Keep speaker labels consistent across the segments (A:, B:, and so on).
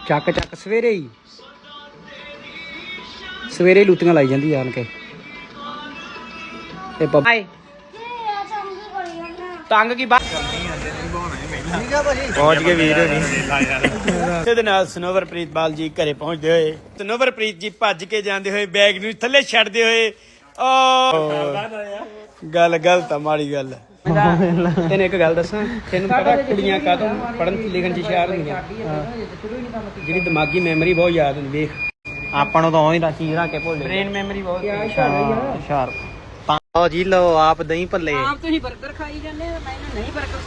A: ਚੱਕ ਚੱਕ ਸਵੇਰੇ ਹੀ ਲੂਤੀਆਂ ਲਾਈ ਜਾਂਦੀ ਆਣ ਕੇ ਤੇ ਬਾਏ ਤੰਗ ਕੀ ਬਾਤ ਪਹੁੰਚ ਗਏ ਵੀਰ ਹੋਣੀ ਇਹਦੇ ਨਾਲ ਸਨੋਵਰਪ੍ਰੀਤ ਬਾਲ ਜੀ ਘਰੇ ਪਹੁੰਚਦੇ ਹੋਏ ਸਨੋਵਰਪ੍ਰੀਤ ਜੀ ਭੱਜ ਕੇ ਜਾਂਦੇ ਹੋਏ ਬੈਗ ਨੂੰ ਥੱਲੇ ਛੱਡਦੇ ਹੋਏ ਗੱਲ ਗਲਤ ਆ ਮਾੜੀ ਗੱਲ ਤੈਨੂੰ ਇੱਕ ਗੱਲ ਦੱਸਾਂ ਤੈਨੂੰ ਪਤਾ ਕੁੜੀਆਂ ਕਾਹਤੋਂ ਪੜ੍ਹਨ ਲਿਖਣ ਚ ਹੁਸ਼ਿਆਰ ਹੁੰਦੀਆਂ ਜਿਹੜੀ ਦਿਮਾਗੀ ਮੈਮਰੀ ਬਹੁਤ ਯਾਦ ਹੁੰਦੀ ਵੇਖ ਆਪਾਂ ਨੂੰ ਤਾਂ ਉਹੀ ਚੀਜ਼ ਰੱਖ ਕੇ ਭੁੱਲ ਬ੍ਰੇਨ ਮੈਮਰੀ ਬਹੁਤ ਹੁਸ਼ਿਆਰ ਆਓ ਜੀ ਲਓ ਆਪ ਦਹੀਂ ਭੱਲੇ ਆਪ ਤੁਸੀਂ 버ਗਰ ਖਾਈ ਜਾਂਦੇ ਆ ਮੈਂ ਨਹੀਂ 버ਗਰ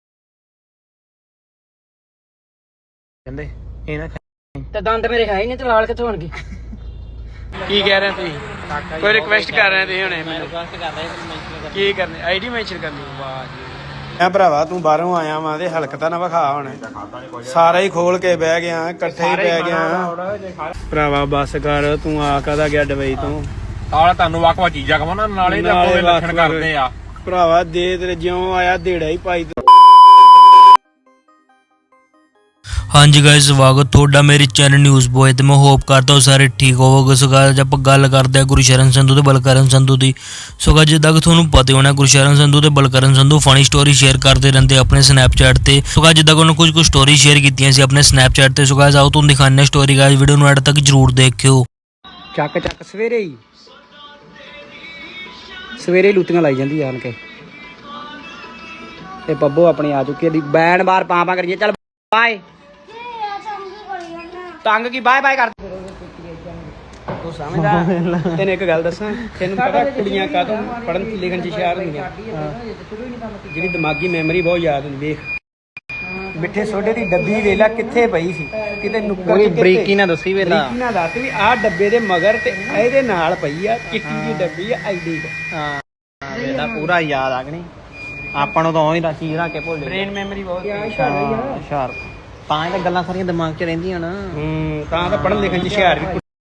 A: ਕਹਿੰਦੇ ਇਹ ਨਾ ਤੇ ਦੰਦ ਮੇਰੇ ਹੈ ਹੀ ਨਹੀਂ ਤੇ ਲਾਲ ਕਿੱਥੋਂ ਹੋਣਗੇ ਕੀ ਕਹਿ ਰਹੇ ਤੁਸੀਂ ਕੋਈ ਰਿਕਵੈਸਟ ਕਰ ਰਹੇ ਤੁਸੀਂ ਹੁਣੇ ਮੈਂ ਰਿਕਵੈਸਟ ਕਰ ਰਿਹਾ ਕੀ ਕਰਨੀ ਆਈਡੀ ਮੈਂਸ਼ਨ ਕਰਨੀ ਵਾਹ ਜੀ ਮੈਂ ਭਰਾਵਾ ਤੂੰ ਬਾਹਰੋਂ ਆਇਆ ਵਾਂ ਤੇ ਹਲਕਤਾ ਨਾ ਵਿਖਾ ਹੁਣ ਸਾਰਾ ਹੀ ਖੋਲ ਕੇ ਬਹਿ ਗਿਆ ਇਕੱਠੇ ਹੀ ਪੈ ਗਿਆ ਭਰਾਵਾ ਬੱਸ ਕਰ ਤੂੰ ਆ ਕਾਹਦਾ ਗਿਆ ਡਬਈ ਤੋਂ
B: ਆਲਾ ਤੁਹਾਨੂੰ ਵੱਖ-ਵੱਖ ਚੀਜ਼ਾਂ ਕਵਾਂ ਨਾਲੇ ਤਾਂ ਕੋਈ ਲੱਛਣ ਕਰਦੇ ਆ
A: ਭਰਾਵਾ ਦੇ ਤੇਰੇ ਜਿਉਂ ਆਇਆ ਢੇੜਾ ਹੀ ਪਾਈ
C: ਹਾਂਜੀ ਗਾਇਸ ਸਵਾਗਤ ਤੁਹਾਡਾ ਮੇਰੇ ਚੈਨਲ ਨਿਊਜ਼ ਬੋਏ ਤੇ ਮੈਂ ਹੋਪ ਕਰਦਾ ਹਾਂ ਸਾਰੇ ਠੀਕ ਹੋਵੋਗੇ। ਸੋ ਗਾਇਸ ਆਪਾਂ ਗੱਲ ਕਰਦੇ ਹਾਂ ਗੁਰਸ਼ਰਨ ਸੰਧੂ ਤੇ ਬਲਕਰਨ ਸੰਧੂ ਦੀ। ਸੋ ਗਾਇਸ ਜਿੱਦਾਂ ਕਿ ਤੁਹਾਨੂੰ ਪਤਾ ਹੋਣਾ ਗੁਰਸ਼ਰਨ ਸੰਧੂ ਤੇ Balkaran Sandhu funny story share ਕਰਦੇ ਰਹਿੰਦੇ ਆਪਣੇ ਸਨੈਪਚੈਟ ਤੇ। ਸੋ ਗਾਇਸ ਜਿੱਦਾਂ ਕਿ ਉਹਨਾਂ ਕੁਝ ਸਟੋਰੀ ਸ਼ੇਅਰ ਕੀਤੀਆਂ ਸੀ ਆਪਣੇ ਸਨੈਪਚੈਟ ਤੇ। ਸੋ ਗਾਇਸ ਆਓ ਤੁਹਾਨੂੰ ਦਿਖਾਉਂਦੇ ਹਾਂ ਸਟੋਰੀ ਗਾਇਸ ਵੀਡੀਓ ਨੂੰ ਐਡ ਤੱਕ ਜਰੂਰ ਦੇਖਿਓ।
A: ਚੱਕ ਚੱਕ ਸਵੇਰੇ ਹੀ ਲੂਤੀਆਂ ਲਾਈ ਜਾਂਦੀ ਆਣ ਕੇ ਤੇ ਬੱਬੂ ਆਪਣੀ ਆ ਚੁੱਕੀ ਦੀ ਬੈਨ ਬਾਰ ਪਾਂ ਕਰੀਏ ਚੱਲ ਬਾਏ ਤੰਗ ਕੀ ਬਾਏ ਬਾਏ ਕਰ ਤੂੰ ਸਮਝਦਾ ਤੈਨੂੰ ਇੱਕ ਗੱਲ ਦੱਸਾਂ ਤੈਨੂੰ ਪਤਾ ਕੁੜੀਆਂ ਕਾਹਤੋਂ ਪੜ੍ਹਨ ਲਿਖਣ ਚ ਹੁਸ਼ਿਆਰ ਹੁੰਦੀਆਂ ਜਿਹੜੀ ਦਿਮਾਗੀ ਮੈਮਰੀ ਬਹੁਤ ਯਾਦ ਹੁੰਦੀ ਵੇਖ ਮਿੱਠੇ ਸੋਡੇ ਦੀ ਡੱਬੀ ਵੇਲਾ ਕਿੱਥੇ ਪਈ ਸੀ ਕਿਤੇ ਨੁੱਕਰ ਚ ਬਰੀਕੀ ਨਾ ਦੱਸੀ ਵੇਲਾ ਬਰੀਕੀ ਨਾ ਦੱਸ ਵੀ ਆਹ ਡੱਬੇ ਦੇ ਮਗਰ ਤੇ ਇਹਦੇ ਨਾਲ ਪਈ ਆ ਚਿੱਟੀ ਦੀ ਡੱਬੀ ਆ ਆਈਡੀ ਹਾਂ ਵੇਲਾ ਪੂਰਾ ਯਾਦ ਆ ਗਣੀ ਆਪਾਂ ਨੂੰ ਤਾਂ ਉਹੀ ਚੀਜ਼ ਰੱਖ ਕੇ ਭੁੱਲ ਬ੍ਰੇਨ ਮੈਮਰੀ ਬਹੁਤ ਹੁਸ਼ਿਆਰ ਤਾਂ ਇਹ ਤਾਂ ਗੱਲਾਂ ਸਾਰੀਆਂ ਦਿਮਾਗ 'ਚ ਰਹਿੰਦੀਆਂ ਨਾ ਤਾਂ ਪੜ੍ਹਨ ਲਿਖਣ 'ਚ ਹੁਸ਼ਿਆਰ ਵੀ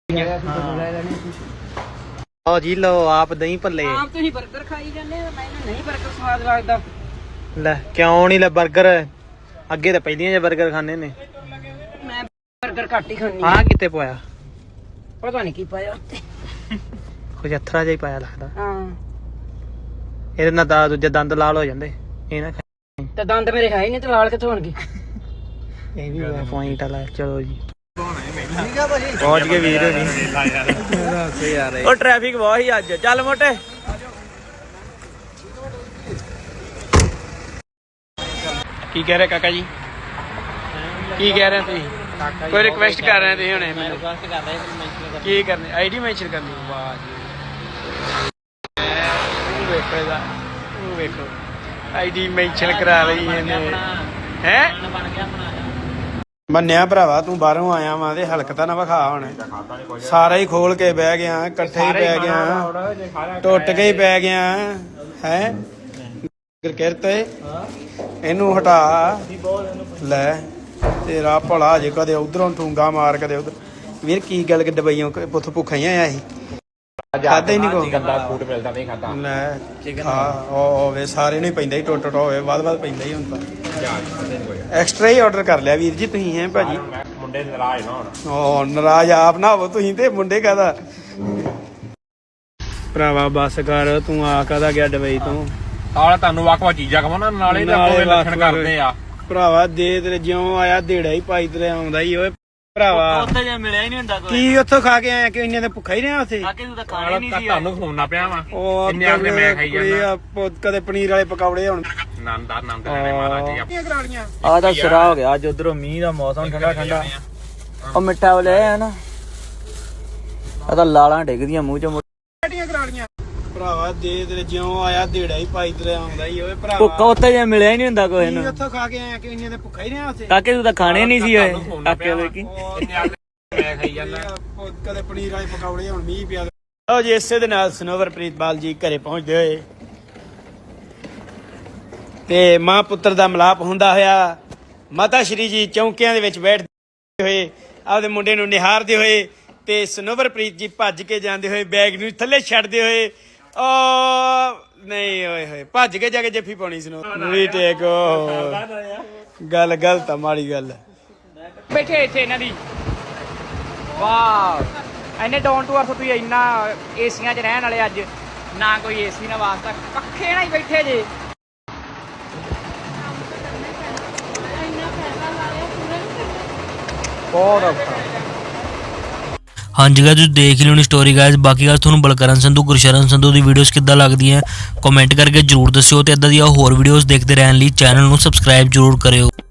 A: ਆਓ ਜੀ ਲਓ ਆਪ ਦਹੀਂ ਭੱਲੇ ਆਪ ਤੁਸੀਂ 버ਗਰ ਖਾਈ ਜਾਂਦੇ ਆ ਮੈਨੂੰ ਨਹੀਂ 버ਗਰ ਸਵਾਦ ਲੱਗਦਾ ਲੈ ਕਿਉਂ ਨਹੀਂ ਲੈ 버ਗਰ ਅੱਗੇ ਤਾਂ ਪਹਿਲੀਆਂ ਜੇ 버ਗਰ ਖਾਣੇ ਨੇ ਮੈਂ 버ਗਰ ਘੱਟ ਹੀ ਖਾਣੀ ਆ ਕਿਤੇ ਪਾਇਆ ਪਤਾ ਨਹੀਂ ਕੀ ਪਾਇਆ ਉੱਤੇ ਕੁਝ ਅਥਰਾ ਜਿਹਾ ਹੀ ਪਾਇਆ ਲੱਗਦਾ ਹਾਂ ਇਹਦੇ ਨਾਲ ਦਾ ਦੂਜੇ ਦੰਦ ਲਾਲ ਹੋ ਜਾਂਦੇ ਇਹ ਨਾ ਤੇ ਦੰਦ ਮੇਰੇ ਹੈ ਹੀ ਨਹੀਂ ਤੇ ਲਾਲ ਕਿੱਥੋਂ ਹੋਣਗੇ ਇਹ ਵੀ ਪੁਆਇੰਟ ਵਾਲਾ ਚਲੋ ਜੀ ਪਹੁੰਚ ਗਏ ਵੀਰ ਹੋਣੀ ਉਹ ਟ੍ਰੈਫਿਕ ਬਹੁਤ ਹੀ ਅੱਜ ਚੱਲ ਮੋਟੇ ਕੀ ਕਹਿ ਰਹੇ ਕਾਕਾ ਜੀ ਕੀ ਕਹਿ ਰਹੇ ਤੁਸੀਂ ਕੋਈ ਰਿਕਵੈਸਟ ਕਰ ਰਹੇ ਤੁਸੀਂ ਹੁਣੇ ਮੈਂ ਰਿਕਵੈਸਟ ਕਰ ਰਿਹਾ ਕੀ ਕਰਨੀ ਆਈਡੀ ਮੈਂਸ਼ਨ ਕਰਨੀ ਵਾਹ ਜੀ ਵੇਖੋ ਆਈਡੀ ਮੈਂਸ਼ਨ ਕਰਾ ਲਈ ਇਹਨੇ ਹੈ ਮੰਨਿਆ ਭਰਾਵਾ ਤੂੰ ਬਾਹਰੋਂ ਆਇਆ ਵਾਂ ਤੇ ਹਲਕਤਾ ਨਾ ਵਿਖਾ ਹੁਣ ਸਾਰਾ ਹੀ ਖੋਲ ਕੇ ਬਹਿ ਗਿਆ ਇਕੱਠੇ ਹੀ ਪੈ ਗਿਆ ਟੁੱਟ ਕੇ ਹੀ ਪੈ ਗਿਆ ਹੈ ਕਿਰਕਟ ਇਹਨੂੰ ਹਟਾ ਲੈ ਤੇਰਾ ਭਲਾ ਜੇ ਕਦੇ ਉਧਰੋਂ ਠੂੰਗਾ ਮਾਰ ਕਦੇ ਉਧਰ ਵੀਰ ਕੀ ਗੱਲ ਕਿ ਦਵਾਈਆਂ ਪੁੱਥ ਭੁੱਖਾ ਹੀ ਆਇਆ ਸੀ ਖਾਦਾ ਹੀ ਨਹੀਂ ਕੋਈ
B: ਗੰਦਾ ਫੂਡ ਮਿਲਦਾ ਨਹੀਂ ਖਾਦਾ
A: ਲੈ ਹਾਂ ਹੋਵੇ ਸਾਰੇ ਨੂੰ ਹੀ ਪੈਂਦਾ ਹੀ ਟੁੱਟ ਹੋਵੇ ਵੱਧ ਪੈਂਦਾ ਹੀ ਹੁਣ ਤਾਂ ਐਕਸਟਰਾ ਹੀ ਆਰਡਰ ਕਰ ਲਿਆ ਵੀਰ ਜੀ ਤੁਸੀਂ ਹੈ ਭਾਜੀ
B: ਮੁੰਡੇ ਨਾਰਾਜ਼ ਨਾ
A: ਹੋਣ ਨਾਰਾਜ਼ ਆਪ ਨਾ ਹੋਵੋ ਤੁਸੀਂ ਤੇ ਮੁੰਡੇ ਕਾਹਦਾ ਭਰਾਵਾ ਬੱਸ ਕਰ ਤੂੰ ਆ ਕਾਹਦਾ ਗਿਆ ਡਬਈ ਤੋਂ
B: ਆਲਾ ਤੁਹਾਨੂੰ ਵੱਖ-ਵੱਖ ਚੀਜ਼ਾਂ ਕਵਾਂ ਨਾਲੇ ਤਾਂ ਕੋਈ ਲੱਛਣ ਕਰਦੇ ਆ
A: ਭਰਾਵਾ ਦੇ ਤੇਰੇ ਜਿਉਂ ਆਇਆ ਢੇੜਾ ਹੀ ਪਾਈ ਤੇਰੇ ਆਉਂਦਾ ਹੀ ਓਏ ਭਰਾਵਾ
C: ਉੱਥੇ ਜੇ ਮਿਲਿਆ ਹੀ ਨਹੀਂ ਹੁੰਦਾ ਕੋਈ
A: ਕੀ ਉੱਥੋਂ ਖਾ ਕੇ ਆਇਆ ਕਿ ਇੰਨੇ ਤੇ ਭੁੱਖਾ ਹੀ ਰਿਹਾ ਉੱਥੇ
C: ਕਾਕੇ ਤੂੰ ਤਾਂ ਖਾਣੇ ਨਹੀਂ ਸੀ
B: ਤੁਹਾਨੂੰ ਫੋਨ ਨਾ ਪਿਆ ਵਾ
A: ਉਹ
B: ਇੰਨੇ ਆਪ ਮੈਂ ਖਾਈ ਜਾਂਦਾ
A: ਕਦੇ ਪਨੀਰ ਵਾਲੇ ਪਕੌੜੇ ਹੁਣ
B: ਨੰਦ ਲੈਣੇ ਮਹਾਰਾਜ ਜੀ
C: ਆ ਤਾਂ ਸਿਰਾ ਹੋ ਗਿਆ ਅੱਜ ਉਧਰੋਂ ਮੀਂਹ ਦਾ ਮੌਸਮ ਠੰਡਾ ਉਹ ਮਿੱਠਾ ਵਾਲੇ ਆ ਨਾ ਆ ਤਾਂ ਲਾਲਾਂ ਡਿੱਗਦੀਆਂ ਮੂੰਹ ਚੋਂ
A: ਭਰਾਵਾ ਦੇ ਤੇਰੇ ਜਿਉਂ ਆਇਆ ਢੇੜਾ ਹੀ ਪਾਈ ਤੇਰੇ ਆਉਂਦਾ ਹੀ ਓਏ ਭਰਾਵਾ
C: ਭੁੱਖਾ ਉੱਥੇ ਜੇ ਮਿਲਿਆ ਹੀ ਨਹੀਂ ਹੁੰਦਾ ਕੋਈ ਨੂੰ
A: ਉੱਥੋਂ ਖਾ ਕੇ ਆਇਆ ਕਿ ਇੰਨੇ ਤੇ ਭੁੱਖਾ ਹੀ ਰਿਹਾ ਉੱਥੇ
C: ਕਾਕੇ ਤੂੰ ਤਾਂ ਖਾਣੇ ਨਹੀਂ ਸੀ ਓਏ ਕਾਕੇ ਵੇਖੀ
B: ਮੈਂ ਖਾਈ ਜਾਂਦਾ
A: ਕਦੇ ਪਨੀਰ ਵਾਲੇ ਪਕੌੜੇ ਹੁਣ ਮੀਂਹ ਪਿਆ ਲਓ ਜੀ ਇਸੇ ਦੇ ਨਾਲ ਸਨੋਵਰਪ੍ਰੀਤ ਬਾਲ ਜੀ ਘਰੇ ਪਹੁੰਚਦੇ ਹੋਏ ਤੇ ਮਾਂ ਪੁੱਤਰ ਦਾ ਮਿਲਾਪ ਹੁੰਦਾ ਹੋਇਆ ਮਾਤਾ ਸ਼੍ਰੀ ਜੀ ਚੌਂਕਿਆਂ ਦੇ ਵਿੱਚ ਬੈਠਦੇ ਹੋਏ ਆਪਦੇ ਮੁੰਡੇ ਨੂੰ ਨਿਹਾਰਦੇ ਹੋਏ ਤੇ ਸਨੋਵਰਪ੍ਰੀਤ ਜੀ ਭੱਜ ਕੇ ਜਾਂਦੇ ਹੋਏ ਬੈਗ ਨੂੰ ਥੱਲੇ ਛੱਡਦੇ ਹੋਏ ਨਹੀਂ ਓਏ ਹੋਏ ਭੱਜ ਕੇ ਜਾ ਕੇ ਜੱਫੀ ਪਾਉਣੀ ਸਨੋ ਵੀ ਟੇਕ ਗੱਲ ਗਲਤ ਆ ਮਾੜੀ ਗੱਲ
D: ਬੈਠੇ ਇੱਥੇ ਇਹਨਾਂ ਦੀ ਵਾਹ ਇੰਨੇ ਡਾਊਨ ਟੂ ਅਰਥ ਤੁਸੀਂ ਇੰਨਾ ਏਸੀਆਂ 'ਚ ਰਹਿਣ ਵਾਲੇ ਅੱਜ ਨਾ ਕੋਈ ਏਸੀ ਨਾ ਵਾਸਤਾ ਪੱਖੇ ਨਾਲ ਹੀ ਬੈਠੇ ਜੇ
A: ਬਹੁਤ ਔਖਾ
C: ਹਾਂਜੀ ਗਾਇਸ ਤੁਸੀਂ ਦੇਖ ਲਿਓ ਨੀ ਸਟੋਰੀ ਗਾਇਸ। ਬਾਕੀ ਗੱਲ ਤੁਹਾਨੂੰ ਬਲਕਰਨ ਸੰਧੂ ਗੁਰਸ਼ਰਨ ਸੰਧੂ ਦੀ ਵੀਡੀਓਜ਼ ਕਿੱਦਾਂ ਲੱਗਦੀਆਂ ਕਮੈਂਟ ਕਰਕੇ ਜਰੂਰ ਦੱਸਿਓ ਤੇ ਇਦਾਂ ਦੀਆਂ ਹੋਰ ਵੀਡੀਓਜ਼ ਦੇਖਦੇ ਰਹਿਣ ਲਈ ਚੈਨਲ ਨੂੰ ਸਬਸਕ੍ਰਾਈਬ ਜਰੂਰ ਕਰਿਓ।